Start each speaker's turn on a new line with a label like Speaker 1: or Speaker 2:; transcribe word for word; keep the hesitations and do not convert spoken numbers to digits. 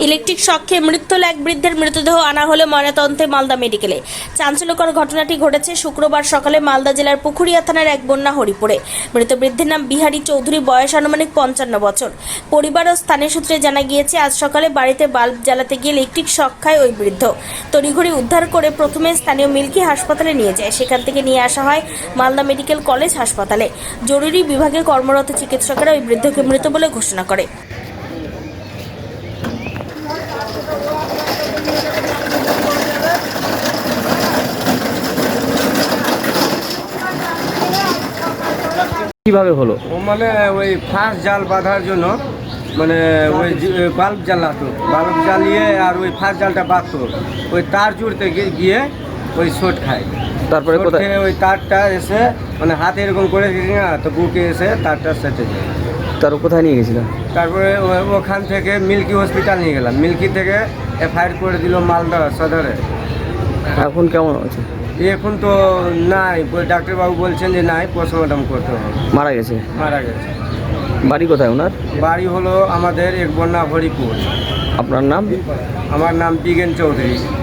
Speaker 1: Electric শকে মৃত্যু হল এক বৃদ্ধের মৃতদেহ আনা হলো ময়নাতদন্তে মালদা মেডিকেলে। চাঞ্চল্যকর ঘটনাটি ঘটেছে শুক্রবার সকালে মালদা জেলার পুখুরিয়া থানার এক বন্যা হরিপুরে। মৃত বৃদ্ধের নাম বিহারী চৌধুরী, বয়স আনুমানিক পঞ্চান্ন বছর। পরিবার ও স্থানীয় সূত্রে জানা গিয়েছে, আজ সকালে বাড়িতে বাল্ব জ্বালাতে গিয়ে ইলেকট্রিক শক খায় ওই বৃদ্ধ। তড়িঘড়ি উদ্ধার করে প্রথমে স্থানীয় মিল্কি হাসপাতালে নিয়ে যায়, সেখান থেকে নিয়ে আসা হয় মালদা মেডিকেল কলেজ হাসপাতালে। জরুরি বিভাগে কর্মরত চিকিৎসকেরা ওই বৃদ্ধকে মৃত বলে ঘোষণা করে।
Speaker 2: কিভাবে হলো?
Speaker 3: ও মানে ওই ফাঁস জাল বাঁধার জন্য মানে ওই বাল্ব জ্বালাতো, বাল্ব জ্বালিয়ে আর ওই ফাঁস জালটা বাঁধতো, ওই তার জুড়তে গিয়ে ওই শর্ট খায়।
Speaker 2: তারপরে
Speaker 3: শর্ট
Speaker 2: কোথায়?
Speaker 3: খেয়ে ওই তারটা এসে মানে হাতে এরকম করে দিয়েছি না, তো বুকে এসে তারটা সেটে যায়।
Speaker 2: তার কোথায় নিয়ে গেছিল?
Speaker 3: তারপরে ও- ওখান থেকে মিল্কি হসপিটাল নিয়ে গেলাম। মিল্কি থেকে এফআইআর করে দিল মালদা সদরে।
Speaker 2: এখন কেমন আছে?
Speaker 3: এখন তো নাই, ডাক্তারবাবু বলছেন যে নাই, পোস্টমর্টম করতে হবে।
Speaker 2: মারা গেছে?
Speaker 3: মারা গেছে।
Speaker 2: বাড়ি কোথায় ওনার?
Speaker 3: বাড়ি হলো আমাদের এক বন্যা হরিপুর।
Speaker 2: আপনার নাম?
Speaker 3: আমার নাম বিগেন চৌধুরী।